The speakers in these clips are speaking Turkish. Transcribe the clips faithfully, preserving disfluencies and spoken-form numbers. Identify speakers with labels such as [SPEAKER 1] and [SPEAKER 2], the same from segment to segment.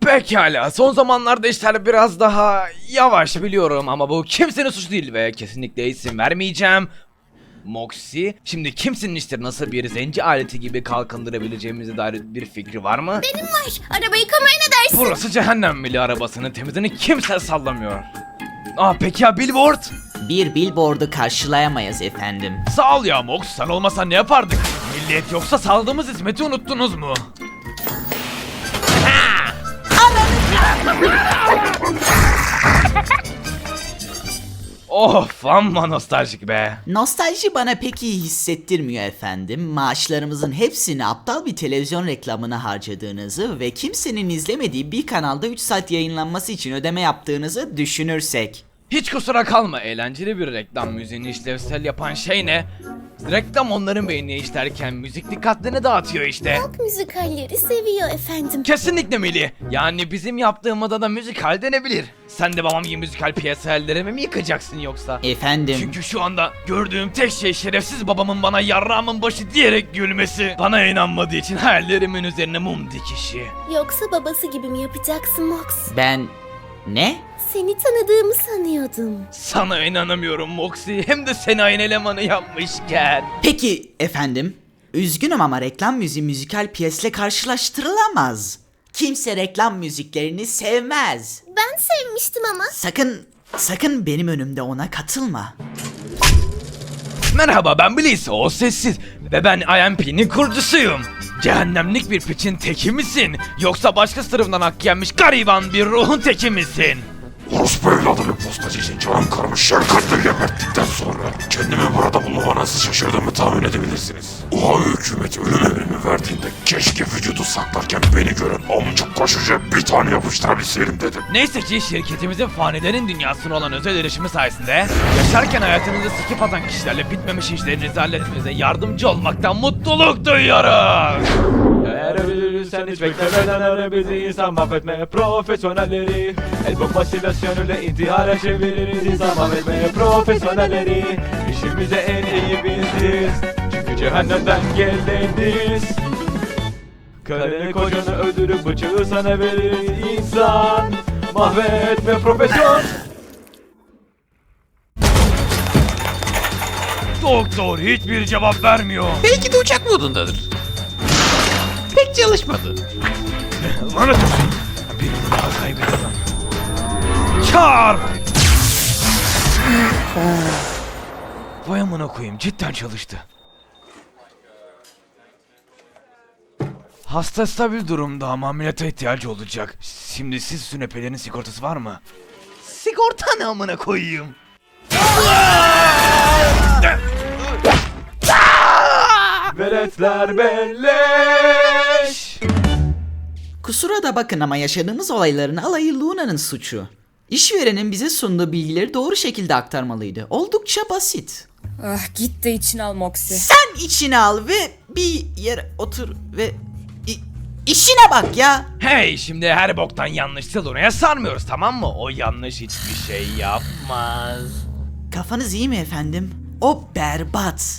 [SPEAKER 1] Pekala, son zamanlarda işler biraz daha yavaş biliyorum ama bu kimsenin suçu değil ve kesinlikle isim vermeyeceğim. Moxie, şimdi kimsenin işleri nasıl bir zenci aleti gibi kalkındırabileceğimize dair bir fikri var mı?
[SPEAKER 2] Benim var. Araba yıkamaya ne dersin?
[SPEAKER 1] Burası cehennem mili, arabasının temizliğini kimse sallamıyor. Aa peki ya billboard?
[SPEAKER 3] Bir billboard'u karşılayamayız efendim.
[SPEAKER 1] Sağ ol ya Mox, sen olmasan ne yapardık? Milliyet yoksa saldığımız hizmeti unuttunuz mu? Of, amma nostaljik be.
[SPEAKER 3] Nostalji bana pek iyi hissettirmiyor efendim. Maaşlarımızın hepsini aptal bir televizyon reklamına harcadığınızı ve kimsenin izlemediği bir kanalda üç saat yayınlanması için ödeme yaptığınızı düşünürsek.
[SPEAKER 1] Hiç kusura kalma, eğlenceli bir reklam müziğini işlevsel yapan şey ne? Reklam onların beynine işlerken müzik dikkatlerini dağıtıyor işte.
[SPEAKER 2] Halk müzikalleri seviyor efendim.
[SPEAKER 1] Kesinlikle Mili. Yani bizim yaptığımda da müzikal denebilir. Sen de babam gibi müzikal piyasalarımı mi yıkacaksın yoksa?
[SPEAKER 3] Efendim.
[SPEAKER 1] Çünkü şu anda gördüğüm tek şey şerefsiz babamın bana yarrağımın başı diyerek gülmesi. Bana inanmadığı için hayallerimin üzerine mum dikişi.
[SPEAKER 2] Yoksa babası gibi mi yapacaksın Mox?
[SPEAKER 3] Ben... Ne?
[SPEAKER 2] Seni tanıdığımı sanıyordum.
[SPEAKER 1] Sana inanamıyorum Moxie. Hem de seni aynı elemanı yapmışken.
[SPEAKER 3] Peki efendim. Üzgünüm ama reklam müziği müzikal piyesle karşılaştırılamaz. Kimse reklam müziklerini sevmez.
[SPEAKER 2] Ben sevmiştim ama.
[SPEAKER 3] Sakın, sakın benim önümde ona katılma.
[SPEAKER 1] Merhaba, ben Bliss, o sessiz ve ben I M P'nin kurucusuyum. Cehennemlik bir piçin teki misin? Yoksa başka sınıfından hak yenmiş gariban bir ruhun teki misin?
[SPEAKER 4] Orospu evladı bir postacı için canım karımı şefkatle geberttikten sonra kendimi burada bulmama nasıl şaşırdığımı tahmin edebilirsiniz. O hükümet ölüm emrimi verdiğinde keşke vücudu saklarken beni gören amcık koşucuya bir tane yapıştırabilseydim dedim.
[SPEAKER 1] Neyse ki şirketimizin fanilerin dünyasına olan özel erişimi sayesinde yaşarken hayatınızı sikip atan kişilerle bitmemiş işlerinizi halletmenize yardımcı olmaktan mutluluk duyuyoruz.
[SPEAKER 5] Eğer ölürsen hiç beklemeden ara bizi, insan mahvetmeye profesyonelleri. El bombasıyla sönüle intihara çeviririz, insan mahvetmeye profesyonelleri. İşimize en iyi biziz, çünkü cehennemden geldiğiniz. Karını kocanı öldürüp bıçağı sana veririz, insan mahvetme profesyon.
[SPEAKER 1] Doktor hiçbir cevap vermiyor.
[SPEAKER 6] Belki de uçak modundadır. Pek çalışmadı.
[SPEAKER 1] Lanet olsun. Birini daha kaybettim. Çarp! Vay amına koyayım, cidden çalıştı. Hasta stabil durumda ama ameliyata ihtiyacı olacak. Şimdi siz sünepelerin sigortası var mı? Sigorta ne amına koyayım?
[SPEAKER 5] Veletler belleş.
[SPEAKER 3] Kusura da bakın ama yaşadığımız olayların alayı Luna'nın suçu. İşverenin bize sunduğu bilgileri doğru şekilde aktarmalıydı. Oldukça basit.
[SPEAKER 7] Ah git de içine al Moxie.
[SPEAKER 3] Sen içine al ve bir yere otur ve i- işine bak ya.
[SPEAKER 1] Hey, şimdi her boktan yanlış oraya sarmıyoruz, tamam mı? O yanlış hiçbir şey yapmaz.
[SPEAKER 3] Kafanız iyi mi efendim? O berbat.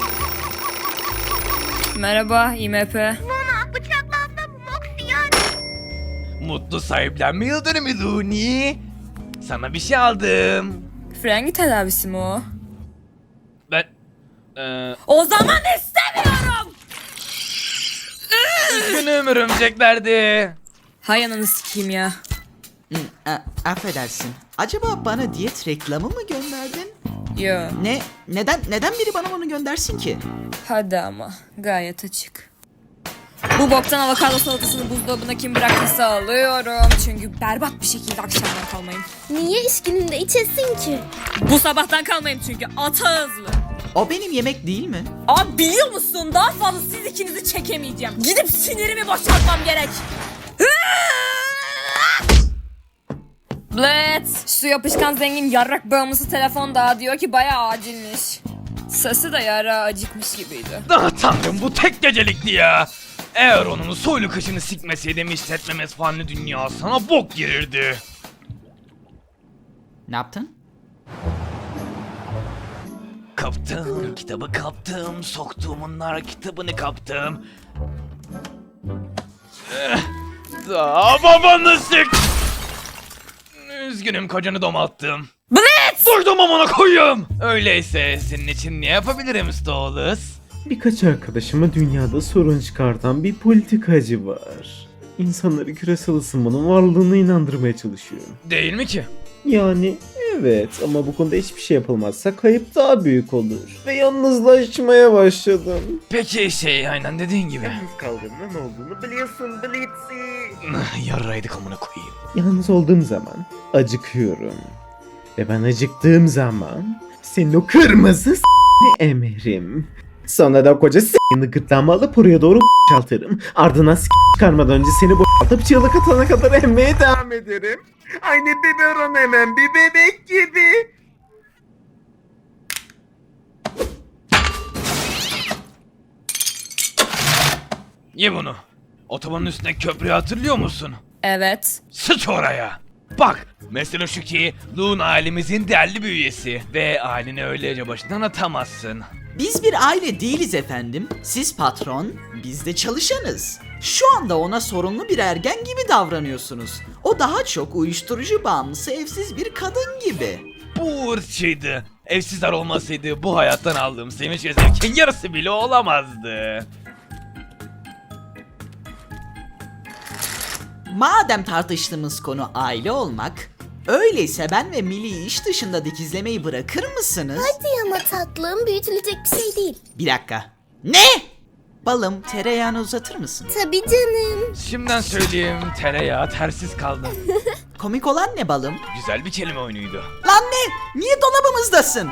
[SPEAKER 7] Merhaba I M P.
[SPEAKER 2] Luna bıçaklandı Mox yani.
[SPEAKER 1] Mutlu sahiplenme yıl dönümü Looney. Sana bir şey aldım.
[SPEAKER 7] Frengi tedavisi mi o?
[SPEAKER 1] Ben... Eee...
[SPEAKER 7] O zaman istemiyorum.
[SPEAKER 1] Üzgünüm örümceklerdi.
[SPEAKER 7] Hay ananı sikeyim ya.
[SPEAKER 3] Hı, a- affedersin. Acaba bana diyet reklamı mı gönderdin?
[SPEAKER 7] Yo.
[SPEAKER 3] Ne? Neden neden biri bana bunu göndersin ki?
[SPEAKER 7] Hadi ama gayet açık. Bu boktan avokado salatasını buzdolabına kim bıraktıysa alıyorum. Çünkü berbat bir şekilde akşamdan kalmayayım.
[SPEAKER 2] Niye iş gününde içesin ki?
[SPEAKER 7] Bu sabahtan kalmayayım çünkü ata hızlı.
[SPEAKER 3] O benim yemek değil mi?
[SPEAKER 7] Abi biliyor musun, daha fazla siz ikinizi çekemeyeceğim. Gidip sinirimi boşaltmam gerek. Blitz, şu yapışkan zengin yarrak bağımlısı telefon daha diyor ki bayağı acilmiş. Sesi de yara acıkmış gibiydi.
[SPEAKER 1] Ah tanrım, bu tek gecelikti ya. Eğer onun soylu kışını sikmeseydim işletmemiz fanlı dünyasına bok girirdi.
[SPEAKER 3] Ne yaptın?
[SPEAKER 1] Kaptım, kitabı kaptım, soktuğumun nar kitabını kaptım. Eh, Hatta babanı sik. Üzgünüm kocanı domalttım.
[SPEAKER 7] Blitz!
[SPEAKER 1] Duydum amına koyayım. Öyleyse senin için ne yapabilirim Stolas?
[SPEAKER 8] Birkaç arkadaşıma dünyada sorun çıkartan bir politikacı var. İnsanları küresel ısınmanın varlığına inandırmaya çalışıyor.
[SPEAKER 1] Değil mi ki?
[SPEAKER 8] Yani evet, ama bu konuda hiçbir şey yapılmazsa kayıp daha büyük olur. Ve yalnızlaşmaya başladım.
[SPEAKER 1] Peki şey aynen dediğin gibi.
[SPEAKER 8] Yalnız kaldığımda ne olduğunu biliyorsun Blitzy.
[SPEAKER 1] Yarraydık amına koyayım.
[SPEAKER 8] Yalnız olduğum zaman acıkıyorum. Ve ben acıktığım zaman senin o kırmızı s***ni emerim. Sonra da koca s***ni gırtlağıma alıp oraya doğru boşaltırım. Ardından s*** çıkarmadan önce seni boşaltıp çığlık atana kadar emmeye devam ederim. Aynı biberon emem bir bebek gibi.
[SPEAKER 1] Ye bunu. Otobanın üstündeki köprüyü hatırlıyor musun?
[SPEAKER 7] Evet.
[SPEAKER 1] Sıç oraya. Bak, mesele şu ki Loon ailemizin değerli bir üyesi ve aileni öylece başından atamazsın.
[SPEAKER 3] Biz bir aile değiliz efendim. Siz patron, biz de çalışanız. Şu anda ona sorunlu bir ergen gibi davranıyorsunuz. O daha çok uyuşturucu bağımlısı evsiz bir kadın gibi.
[SPEAKER 1] Bu ırkçıydı. Evsizler olmasaydı bu hayattan aldığım sevinç ve zevkin yarısı bile olamazdı.
[SPEAKER 3] Madem tartıştığımız konu aile olmak, öyleyse ben ve Millie'yi iş dışında dikizlemeyi bırakır mısınız?
[SPEAKER 2] Hadi ama tatlım, büyütülecek bir şey değil.
[SPEAKER 3] Bir dakika. Ne? Balım, tereyağını uzatır mısın?
[SPEAKER 2] Tabii canım.
[SPEAKER 1] Şimdiden söyleyeyim, tereyağı tersiz kaldı.
[SPEAKER 3] Komik olan ne balım?
[SPEAKER 1] Güzel bir kelime oyunuydu.
[SPEAKER 3] Lan ne? Niye dolabımızdasın?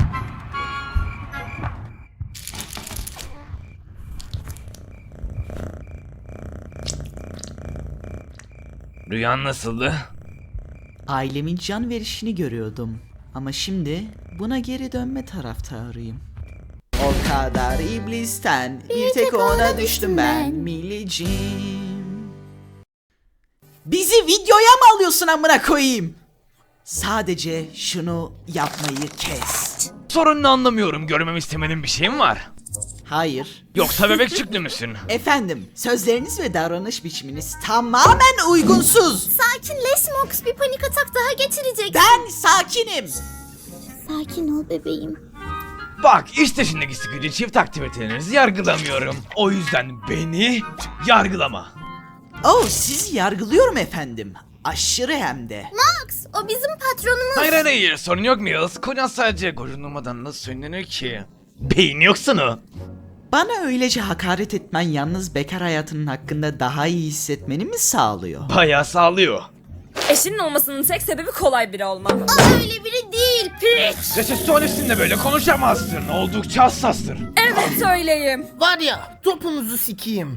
[SPEAKER 1] Rüyan nasıldı?
[SPEAKER 3] Ailemin can verişini görüyordum. Ama şimdi buna geri dönme taraftarıyım. O kadar iblisten bir tek ona düştüm ben Millicim. Bizi videoya mı alıyorsun amına koyayım? Sadece şunu yapmayı kes.
[SPEAKER 1] Sorununu anlamıyorum. Görmemi istemediğin bir şey mi var?
[SPEAKER 3] Hayır.
[SPEAKER 1] Yoksa bebek çıktı mısın?
[SPEAKER 3] Efendim, sözleriniz ve davranış biçiminiz tamamen uygunsuz.
[SPEAKER 2] Sakinleş Mox, bir panik atak daha geçirecek.
[SPEAKER 3] Ben sakinim.
[SPEAKER 2] Sakin ol bebeğim.
[SPEAKER 1] Bak işte şimdiki sıkıcı çift aktivitelerinizi yargılamıyorum. O yüzden beni yargılama.
[SPEAKER 3] Oh, sizi yargılıyorum efendim. Aşırı hem de.
[SPEAKER 2] Mox, o bizim patronumuz.
[SPEAKER 1] Hayır hayır hayır sorun yok Mills. Kocan sadece gocunmadan nasıl söylenir ki? Beyin yoksun o.
[SPEAKER 3] Bana öylece hakaret etmen yalnız bekar hayatının hakkında daha iyi hissetmeni mi sağlıyor?
[SPEAKER 1] Bayağı sağlıyor.
[SPEAKER 7] Eşinin olmasının tek sebebi kolay biri olmam.
[SPEAKER 2] O öyle biri değil, piç.
[SPEAKER 1] Resepsiyonistinle böyle konuşamazsın. Oldukça hassastır.
[SPEAKER 7] Evet öyleyim.
[SPEAKER 9] Var ya, topunuzu sikeyim.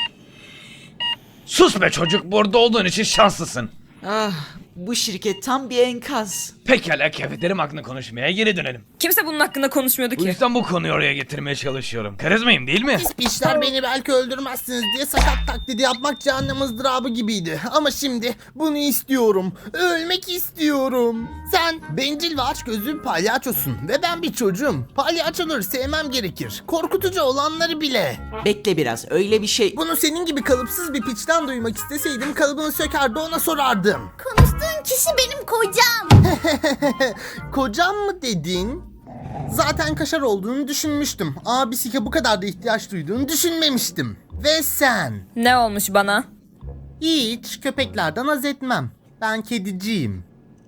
[SPEAKER 1] Sus be çocuk, burada olduğun için şanslısın.
[SPEAKER 3] Ah, bu şirket tam bir enkaz.
[SPEAKER 1] Pekala kefetlerim hakkında konuşmaya geri dönelim.
[SPEAKER 7] Kimse bunun hakkında konuşmuyordu
[SPEAKER 1] Bu
[SPEAKER 7] ki.
[SPEAKER 1] yüzden bu konuyu oraya getirmeye çalışıyorum. Karizmayım değil mi?
[SPEAKER 9] Siz piçler beni belki öldürmezsiniz diye sakat taklidi yapmak cehennem ızdırabı gibiydi. Ama şimdi bunu istiyorum. Ölmek istiyorum. Sen bencil ve açgözlü bir palyaçosun ve ben bir çocuğum. Palyaçoları sevmem gerekir. Korkutucu olanları bile.
[SPEAKER 3] Bekle biraz, öyle bir şey...
[SPEAKER 9] Bunu senin gibi kalıpsız bir piçten duymak isteseydim kalıbını sökerdi ona sorardım.
[SPEAKER 2] Konuştuğun kişi benim kocam.
[SPEAKER 9] Kocam mı dedin? Zaten kaşar olduğunu düşünmüştüm. Abisike bu kadar da ihtiyaç duyduğunu düşünmemiştim. Ve sen?
[SPEAKER 7] Ne olmuş bana?
[SPEAKER 9] Hiç köpeklerden haz etmem. Ben kediciyim.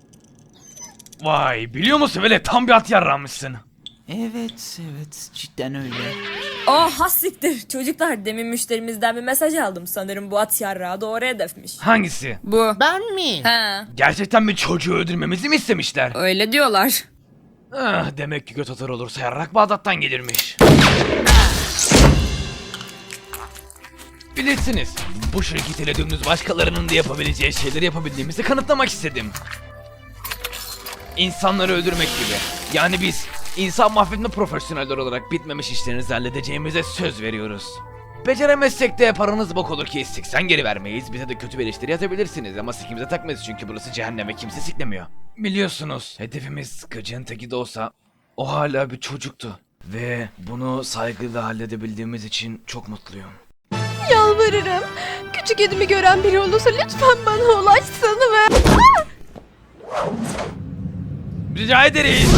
[SPEAKER 1] Vay biliyor musun böyle tam bir at yarranmışsın.
[SPEAKER 3] Evet, evet, cidden öyle.
[SPEAKER 7] Oh hassiktir. Çocuklar demin müşterimizden bir mesaj aldım. Sanırım bu at yarrağı doğru hedefmiş.
[SPEAKER 1] Hangisi?
[SPEAKER 7] Bu.
[SPEAKER 9] Ben mi?
[SPEAKER 7] He.
[SPEAKER 1] Gerçekten bir çocuğu öldürmemizi mi istemişler?
[SPEAKER 7] Öyle diyorlar.
[SPEAKER 1] Ah, demek ki göt atar olursa yarrak Bağdat'tan gelirmiş. Bilirsiniz, bu şirketiyle dümdüz başkalarının da yapabileceği şeyleri yapabildiğimizi kanıtlamak istedim. İnsanları öldürmek gibi. Yani biz insan mahvetme profesyoneller olarak bitmemiş işlerinizi halledeceğimize söz veriyoruz. Beceremezsek de paranız bok olur ki siksen geri vermeyiz. Bize de kötü bir eleştiri yazabilirsiniz ama sikimize takmayız çünkü burası cehennem ve kimse siklemiyor. Biliyorsunuz hedefimiz gıcığın teki de olsa o hala bir çocuktu. Ve bunu saygıyla halledebildiğimiz için çok mutluyum.
[SPEAKER 10] Yalvarırım. Küçük küçük kedimi gören biri olursa lütfen bana ulaşsın ve...
[SPEAKER 1] Rica ederiz.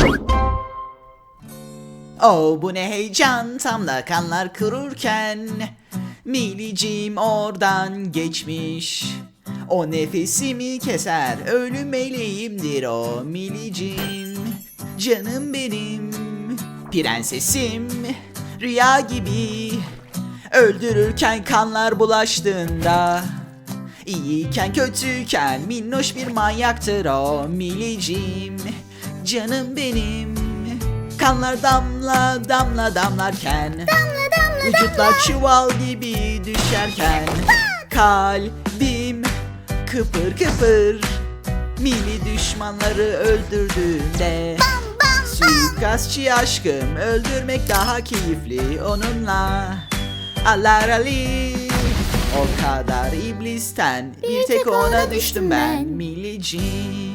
[SPEAKER 3] Oh bu ne heyecan, tam da kanlar kururken Milicim oradan geçmiş. O nefesimi keser, ölüm meleğimdir o Milicim. Canım benim, prensesim, rüya gibi. Öldürürken kanlar bulaştığında, İyiyken kötüyken minnoş bir manyaktır o Milicim. Canım benim, kanlar damla damla damlarken, vücutlar çuval gibi düşerken, kalbim kıpır kıpır, Mili düşmanları öldürdüğünde. Suikastçı aşkım, öldürmek daha keyifli onunla. Alarali, o kadar iblisten bir tek ona düştüm ben Milicim.